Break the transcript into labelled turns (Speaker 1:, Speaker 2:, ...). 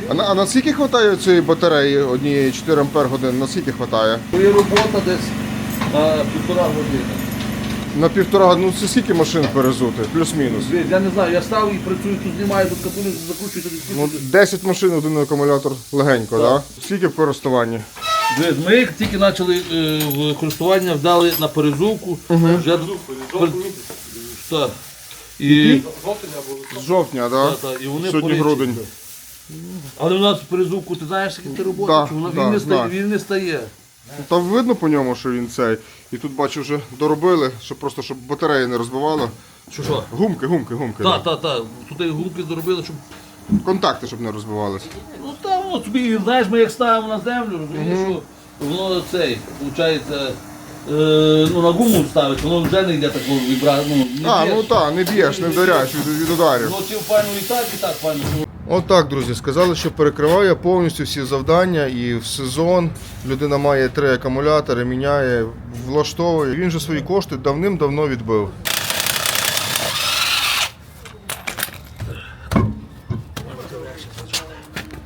Speaker 1: А на скільки вистачає цієї батареї однієї 4 Ампер годин? На скільки вистачає?
Speaker 2: Є робота десь на 1,5 години.
Speaker 1: На 1,5 години, ну це скільки машин перезути? Плюс-мінус.
Speaker 2: Я не знаю, я став і працюю, тут знімаю, тут капулю закручую, тут
Speaker 1: Ну,
Speaker 2: відкручую.
Speaker 1: 10 машин, один акумулятор легенько, так? Да? Скільки в користуванні?
Speaker 2: Ми як тільки почали в користування, вдали на перезувку. Вже... Так. І...
Speaker 1: З жовтня, так?
Speaker 2: Та, і вони
Speaker 1: Сьогодні
Speaker 2: порічні.
Speaker 1: грудень.
Speaker 2: Але у нас перезувку, ти знаєш, скільки роботи,
Speaker 1: Да,
Speaker 2: чи вона-
Speaker 1: да,
Speaker 2: він, не
Speaker 1: знаю.
Speaker 2: стає, він не стає.
Speaker 1: Ну, там видно по ньому, що він цей. І тут бачу вже доробили, щоб батареї не розбивало.
Speaker 2: Що?
Speaker 1: Гумки.
Speaker 2: Так. Тут і гумки зробили, щоб...
Speaker 1: Контакти, щоб не розбивались.
Speaker 2: Ну там, от собі, знаєш, ми як ставимо на землю, розумієш, що воно цей, виходить, ну на гуму ставить, воно вже не йде такого вібрацію, ну, не
Speaker 1: А,
Speaker 2: б'єш.
Speaker 1: ну так, не б'єш, не вдаряєш від ударів.
Speaker 2: Ну, чим файно і так файно.
Speaker 1: Отак, друзі, сказали, що перекриває повністю всі завдання і в сезон людина має 3 акумулятори, міняє, влаштовує. Він же свої кошти давним-давно відбив.